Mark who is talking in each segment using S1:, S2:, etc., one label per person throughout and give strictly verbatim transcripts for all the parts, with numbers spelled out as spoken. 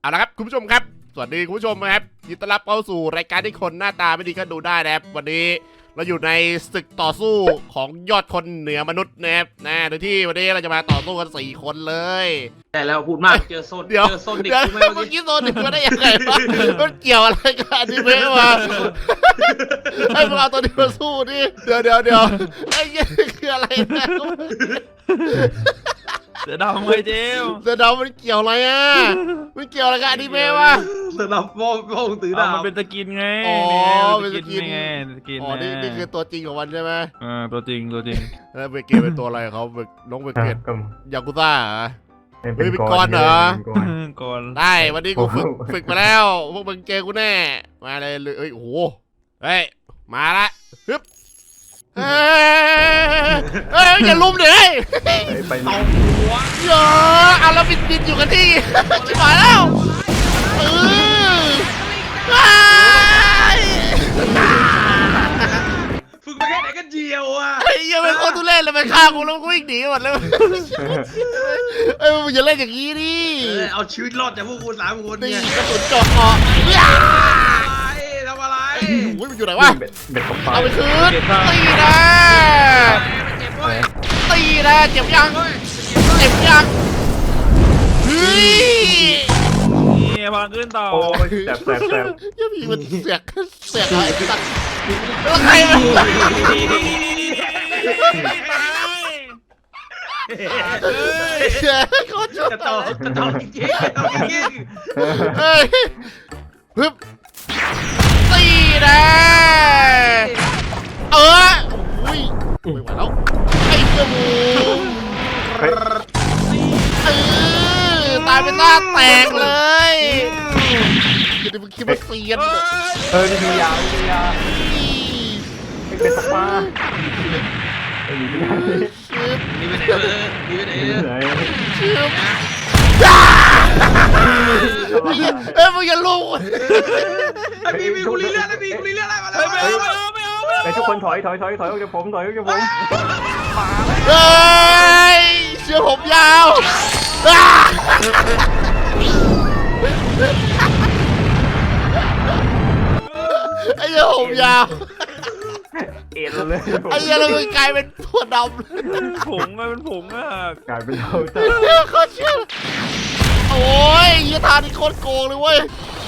S1: เอาละครับคุณผู้ชมครับสวัสดีคุณผู้ชมนะครับยินดีต้อนรับเข้าสู่รายการที่คนหน้าตาไม่ดีก็ดูได้นะครับวันนี้เราอยู่ในศึกต่อสู้ของยอดคนเหนือมนุษย์นะครับนะโดยที่วันนี้เราจะมาต่อสู้กันสี่คนเลย
S2: แต่แล้วพูดมากเจอโซนเจอโซนดิก
S1: เมื่อกี้โซนดิกมาได้ยังไงวะมันเกี่ยวอะไรกันนี่เพื่อนวะให้มึงเอาตัวนี้มาสู้ดิเดี๋ยวเดี๋ยวเดี๋ยวไอ้ยี่คืออะไรนะ
S3: เสือดำเลยเจม
S1: เสือดำมันเกี่ยวอะไรอ่ะมันเกี่ยวอะไรกับอนิเมะวะ
S2: เสือดำโป้งโป้งตือดาว
S3: มันเป็นตะกินไง
S1: อ๋อเป็นตะกิน
S3: ไงตะกิน
S1: อ๋อนี่นี่คือตัวจริงของมันใช่ไหม
S3: อ่าตัวจริงตัวจริง
S1: แล้วเบเกตเป็นตัวอะไรเขาเบน้องเบเกตยากุซ่าเหรอเฮ้ยเป็นกรเหรอ
S3: ก่อน
S1: ได้วันนี้กูฝึกฝึกมาแล้วพวกมึงเจอกูแน่มาเลยเอ้ยโอ้โหเฮ้ยมาละฮึบเฮ้ยเฮ้ยอย่าลุมเลย
S2: ไปเอาหัว
S1: เยอะเอาแล้วบินบินอยู่กันที่ชิบหายแล้วเออ
S2: ฝึกมาแค่ไหนกันเจียวอ่ะ
S1: ไอ้ยังเป็นคนทุเรศเลยมันฆ่ากูแล้วกูวิ่งหนีหมดเลยเอ้ยมึงอย่าเล่นอย่างนี้ดิ
S2: เอาชีวิตรอดจากพวกกูสามคนเนี่ย
S1: กระสุนเจาะคอ
S2: ทำอะไร
S1: อุ้ยมันอยู่ไหนวะเอาไปคืนตีนะตีนะเจ็บยังเจ็บยังเฮ้ย
S3: นี่พลังขึ้นต่อ
S1: แสบแสบแสบยังมีมันเสียกเสียกอะไรตัดแล้วใครมันเจ๊เขาชอบ
S2: จะต่อจะต่อจริงจริง
S1: เฮ้ยฮึบตีนะเอออุ้ยไม่ไหวแล้วไอ้กระมูเออตายเป็นหน้าแตกเลยคิดว่าคิดว่าเสียน
S4: เออนี่ดูยาวดูยาวไม่เป็นสปา
S2: นี่ไปไหนเลยนี่ไปไหนเลย
S1: ชื่อเอ้ยมึงอย่าลุก
S2: ไอ้พี่มีกุลีเลือดไอ้พี่กุลีเลือดอะไรมาแล้ว
S3: ไม่เอาไม่เอาไม่เอาไม่เอา
S4: ไอ้ทุกคนถอยถอยถอยถอยออกจากผมถอยออกจากผม
S1: เฮ้ยเชือกผมยาวไอ้เชือกผมยาว
S4: เอ็นเลย
S1: ไอ้เชือกเรากลายเป็นถั่วดำ
S3: เป็นผงอะเป็นผงอะ
S4: กลายเป็นเท่าจ้า
S1: โคตรเชื่อโอ้ยยี่ทานี่โคตรโกงเลยเว้ย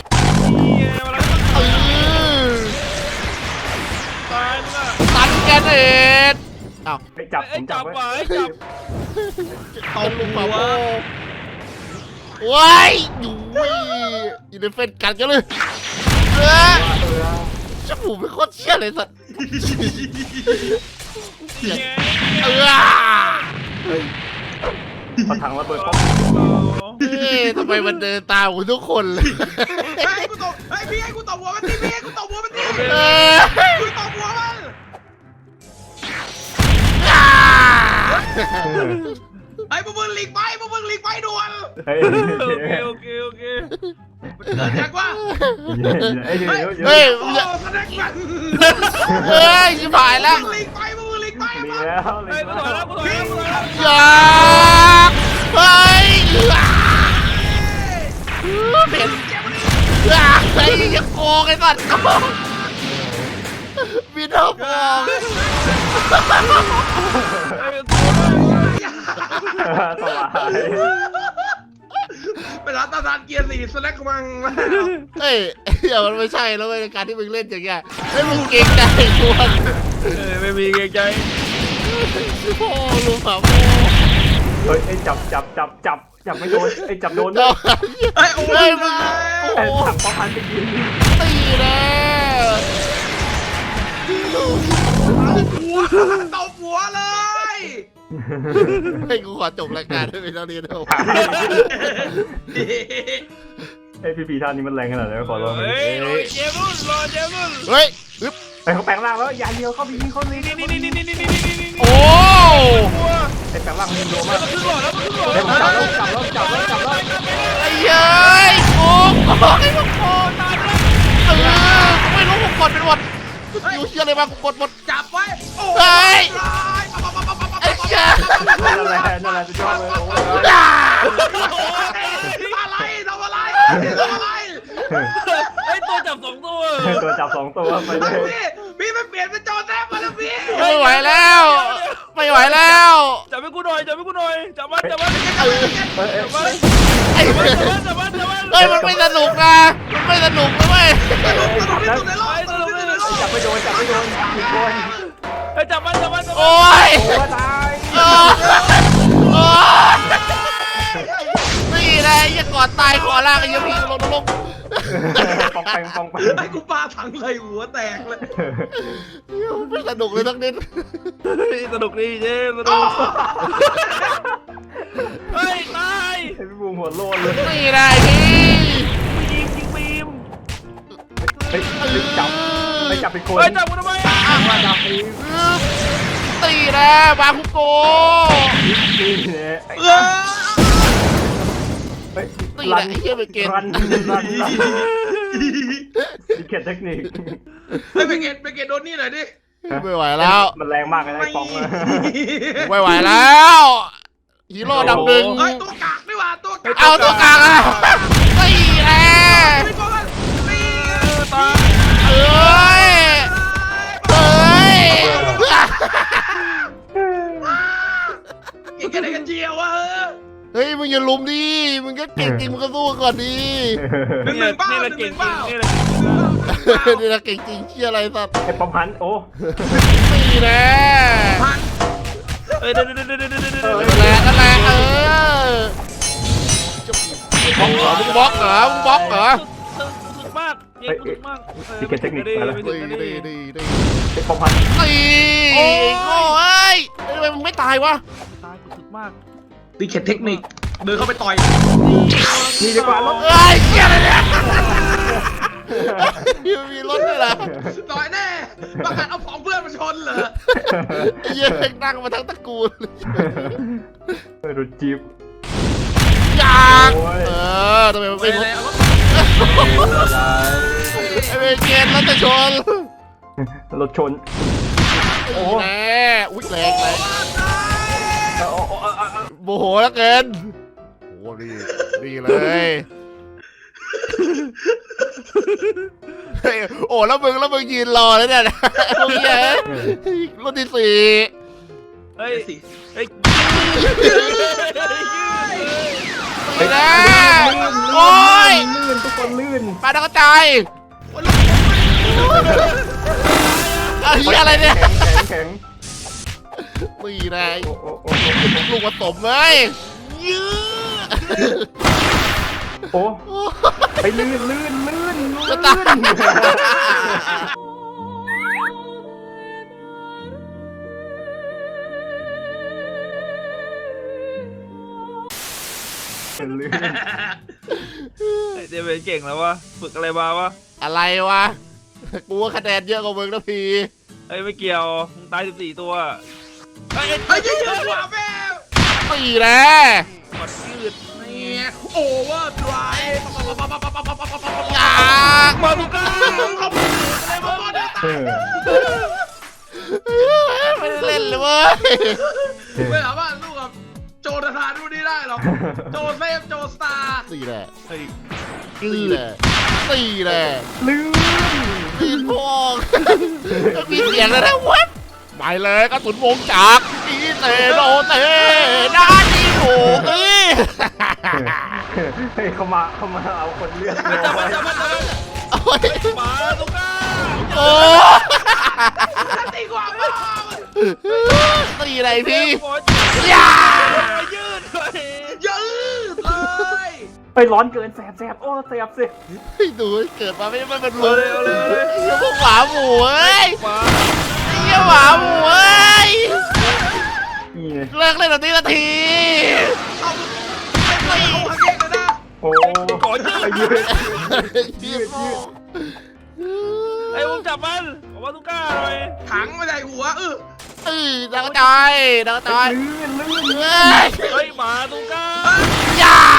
S3: ตายมึงอะ
S1: ตันแกนเอ็ดอ้าว
S4: ไปจับผมจับไว้
S3: จับ
S1: เอาลุงมาโว้ว้ายอยู่ยินดีเฟนกันกันเลยเออจมูกเป็นโคตรเชี่ยเลยสัตว์เออ
S4: พอถังระเบิดป๊อป
S1: เฮ้ยทำไมมันเดินตามกูทุกคนเลย
S2: ไอ้กูตบไอ้พี่ไอ้กูตบหัวมันทีพี่ไอ้กูตบหัวมันทีกูตบหัวมันไอ้พวกมึงหลีกไปพวกมึงหลีกไปด่วน
S3: โอเคโอเคโอเค
S2: เกิดจากว่า
S4: เฮ้ยเฮ้ย
S1: เฮ้ยเฮ้ยชิบหายแล้ว
S2: หลีกไปพวกมึงหลีกไป
S4: ลีแล้วลี
S3: แล้วกูถอยแล้วกูถอยแล้วกูถอยแล้ว
S1: อย่าเฮ้ยเป็นไอ้ยังโกงไอ้สัตว์บินเอาฟอง
S4: สบาย
S2: เป็นร้านตาทานเกียร์สี่สแน็คมัง
S1: เฮ้ยเดี๋ยวมันไม่ใช่แล้วในการที่มึงเล่นอย่างเงี้ยให้มึงเก่งใจกู
S3: ไม่มีเก่งใจ
S1: พ่อลุงสาวพ่อ
S4: เฮ้ยไอ้จับจับจับจับจับไม่โดนไอ้จับโดน
S1: ด้วย
S2: ไอ้โอ้ยมึง
S4: ไอ้ถังป๊อปพันไปกิน
S1: ตีแล้ว
S2: หัวตบหัวเลย
S1: ให้กูขอจบรายการด้วยเท่านี้เถอะ
S4: ไอ้พี่พีท่านนี้มันแรงขนาดไหนขอร้อง
S3: เฮ้ยเจมุนรอเจมุน
S1: เฮ้ยปึ๊บ
S4: ไอ้เขาแปลงร่างแล้วอย่าเดียวเขาไปยิงเขาเลย
S3: นี่นี่นี่นี่นี่นี่นี่นี่
S1: โอ้
S4: ไอ้แปลงร่างมันโดนมาก
S3: มันขึ้นหลอดแล้วมันขึ้นหลอด
S4: ไอ้ผมจับแล้วจับแล้วจับแล้วจับแล้ว
S1: ไอ้เย้ยโอ้ไอ้พวกโคตายแล้วเออไม่รู้ผมกดเป็นหมดอยู่เชื่อเลยว่ากูกดหมด
S2: จับไว้
S1: เฮ้ยไอ้เจ้า
S4: นั่นแหละนั่นแหละสุดยอดเลย
S2: อะไรทำอะไรทำอะไร
S3: ไอ้ตัวจับสองตัว
S4: ตัวจับสองตัวไปเลย
S2: พี่พี่มันเปลี่ยนเป็นจอแซบมาแล้วพี่
S1: ไม่ไหวแล้ว ไม่ไหวแล้ว
S3: จับให้กูหน่อยจับให้กูหน่อยจับมันจับมัน
S4: เอ้ยเอ้ย
S3: จับมัน
S1: ไอ้
S3: จับมันจับมันจับมัน
S1: เฮ้ยมันไม่สนุกนะมันไม่สนุกนะเว้ย
S2: สนุกสนุกที่สุดในโลกสนุกที่สุดในโลก
S4: จับไม่โดนจับไม่โดนผิดคน
S3: ไอ้จับมันจับมันจับมัน
S1: โอ้ย
S4: โอ้ตาย
S1: โอ้ยโอ้ยนี่แหละยังกอดตายขอลากไอ้ยังพี่ลงลง
S4: ปองแปงปองแปง
S2: ไอ้กูปาถังเลยหัวแตกเลย
S1: ไม่สนุกเลยทั้งนิด
S3: สนุกดีเจมสนุกเฮ้ยตาย
S4: ไอ้พี่บูมหัวโลนเลย
S1: นี่แหละไอ้พี่
S3: ยิงยิงบีม
S4: เฮ้ยรีบจับไม่จับเป็นคน
S3: เฮ้ยจับกูทำไมอ่ะ
S4: มาจับเอง
S1: ตีแหละบาคุโก
S4: นี่เนี่ย
S2: เออ
S4: เฮ้ย
S1: ตีแหละไอ้เหี้ยไปเกณฑ์
S4: รันรันดีเกตเทคนิค
S2: ไม่ไปเกตไปเกตโดนนี่หน่อยดิ
S1: ไม่ไหวแล้ว
S4: มันแรงมากเลยนะไอ้ปองอะ
S1: ไม่ไหวแล้วฮีโร่ดำหนึ่ง
S2: เฮ้ยตัวกากนี่หว่าตัวกาก
S1: เอาตัวกลางอ่ะตีแหละ
S2: ไม่พอกันตี
S3: ตาย
S1: เอ้ยเอ้ย
S2: กินกันได้กันเจียววะ
S1: เฮ้ยมึงอย่าลุมดิมึงก็เก่งจริงมึงก็สู้ก่อนดิ
S2: หนึ่งหนึ่งเป้า
S3: นี่
S2: ห
S3: แหละ
S2: นึ่งห
S3: เก่
S2: นึ่
S3: ง
S2: ง
S3: จริ
S2: เป้าง
S3: นี่แหละ
S1: นี่นะเก่งจริงเชี่ยอะไรสัตว์
S4: ไอ้ปอมหันโอ้
S1: ตีแหละ
S2: พัน
S3: เฮ้ยเดี๋ยวเดี๋ยวเดี๋ยวเดี๋ยวเดี๋ยวเดี๋ยว
S1: นั่นแหละนั่นแหละเออมึงบล็อกเหรอมึงบล็อกเหรอ
S3: สุดมากเก่งสุดมาก
S1: ดีดีดีดี
S4: ไอ้ปอมหัน
S1: ตีโอ้ยโง่เอ้ยทำไมมึงไม่ตายวะ
S3: ตายสุดมาก
S2: ตีเข็ดเทคนิคเดินเข้าไปต่อย
S4: นี่ดีกว่ารถ
S1: เอ้ยเชี่ยอะไรเนี่ยมีรถด้วยเหรอ
S2: ต่อยแน่ประกาศเอาของเพื่อนมาชนเหรอ
S1: ไอ้เหี้ยนั่งมาทั้งตระกูล
S4: รถจี๊ป
S1: อยากเออทำไมมัน
S2: ไป
S1: เป็นรถ
S2: เลยเอารถ
S1: ไอ้เวเกนรถจะชน
S4: รถชน
S1: โอ้แน่อุ้ยแรงแรง
S4: โอ้โอ้โอ้
S1: โมโหแล้วเกินโอ้ดีดีเลยเฮ้ยโอ้แล้วมึงแล้วมึงยืนรอแล้วเนี่ยพวกเนี้ยรถที่สี่
S3: เฮ้ย
S2: สิ
S3: เฮ้ย
S1: ไปแล้วโอ้ย
S4: ลื่นทุกคนลื่น
S1: ปลาดาวกระจายเอาเหี้ยอะไรเนี่ย
S4: แข็งแข็ง
S1: ตีแรง
S4: โอ้โอ้โอ้
S1: ลูกผสมเลยยื้อ
S4: โอ้ไปลื่นลื่นลื่น
S1: จะตาย
S4: ลื่น
S3: เดี๋ยวเป็นเก่งแล้ววะฝึกอะไรมาวะ
S1: อะไรวะกูว่าคะแนนเยอะกว่ามึงนะพี่
S3: เฮ้ยไม่เกี่ยวมึงตายสิบสี่ตัวเฮ้ย
S2: ไอ้ยืดกว่าแม่
S1: ตีแล้
S3: กดยืด
S2: เนี่ยโอเวอร์ไดรฟ์
S1: อยาก
S3: มาลูก้า
S2: อะไรมาบอลเนี่ย
S4: เออ
S1: ไม่ได้เล่นเลยเว้ย
S2: ไม่สามารถสู้กับโจนาธานดูนี่ได้หรอกโจเซฟโจสตาร์
S1: ตีแหละ
S3: เฮ้ย
S1: ตีแหละตีแหละ
S4: ลื่น
S1: ตีพองมีเสียงแล้วนะวัดไปเลยกระสุนวงจักรอีเตโนเตด้านนี้โอ้เอ้ย
S4: เฮ้ยเขามาเขามาเอาคนเลือด
S3: จับมันจับมันจับมัน
S1: โอ้ย
S3: มาลูก้า
S1: โอ้
S2: ตีกว่าพ่อ
S1: ตีอะไรพี่
S3: อ
S1: อย่า
S3: ยืดเลย
S2: ยืดเลย
S4: ไปร้อนเกินแสบแสบโอ้แสบสิ
S1: ให้ดูเกิดมาไม่ไม่เป็น
S3: เอา
S1: ลูก
S3: เลยเอาเลยเอาเลย
S1: เหี้ยพวกหมาหมูเอ้ย
S3: มา
S1: เหี้ยหมาหมูเอ้ย
S4: นี่ไง
S1: เลิกเล่นแบบนี้นาที
S2: เอาไม่เอาหักเองเลยนะ
S4: โอ้
S3: ขอยืด
S4: ยืด
S1: ยืดยืด
S3: ไอ้ผมจับมันเอามาลูก้าหน่อย
S2: ถังไม่ได้หัวเออ
S1: เออดังกระจายดังกระจาย
S4: ลื่นลื่น
S1: เฮ้ย
S3: เฮ้ยมาลูก้า
S1: อย่า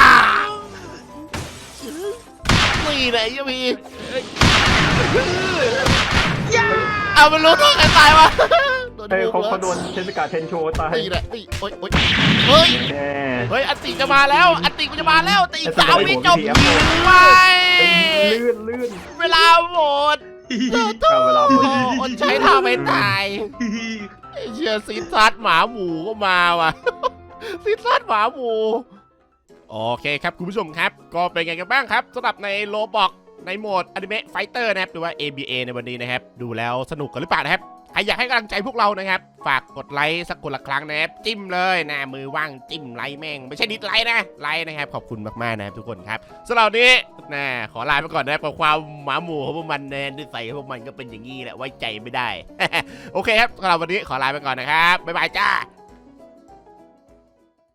S1: ตีไหนยังมี
S3: เฮ้ย
S2: ย่า
S1: เอามันรู้ตัวใครตายวะโดน
S4: เฮ้ย
S1: ดู
S4: เขา
S1: เหรอ
S4: เขาโดนเทสกาเทนโชว์ตาย
S1: นี่แหละนี่โอ๊ยโอ๊ยเฮ้ย
S4: แน่
S1: เฮ้ยอันติจะมาแล้วอันติกูจะมาแล้วแต่อีก
S4: ไอ้
S1: สาม
S4: ตัว
S1: วิ
S4: ผม
S1: จบ
S4: พีเอฟ
S1: ไป
S4: ลื่นลื่น
S1: เวลาหมด
S4: เอาเวลาหมด
S1: โอ้อดใช้ท่าไม่ตายไอ้เชียซีซัดหมาหมูก็มาว่ะ ซีซัดหมาหมูโอเคครับคุณผู้ชมครับ ก็เป็นไงกันบ้างครับสำหรับในโลบอกในโหมดอนิเมะไฟเตอร์นะครับหรือว่า เอ บี เอ ในวันนี้นะครับดูแล้วสนุกกันหรือเปล่านะครับใครอยากให้กำลังใจพวกเรานะครับฝากกดไลค์สักคนละครั้งนะครับจิ้มเลยนะมือว่างจิ้มไลค์แม่งไม่ใช่ดิสไลค์นะไลค์นะครับขอบคุณมากๆนะครับทุกคนครับสำหรับวันนี้นะขอลาไปก่อนนะครับกับความหมาหมูของพวกมันแนนที่ใส่พวกมันก็เป็นอย่างนี้แหละไว้ใจไม่ได้ โอเคครับสำหรับวันนี้ขอลาไปก่อนนะครับบ๊ายบายจ้า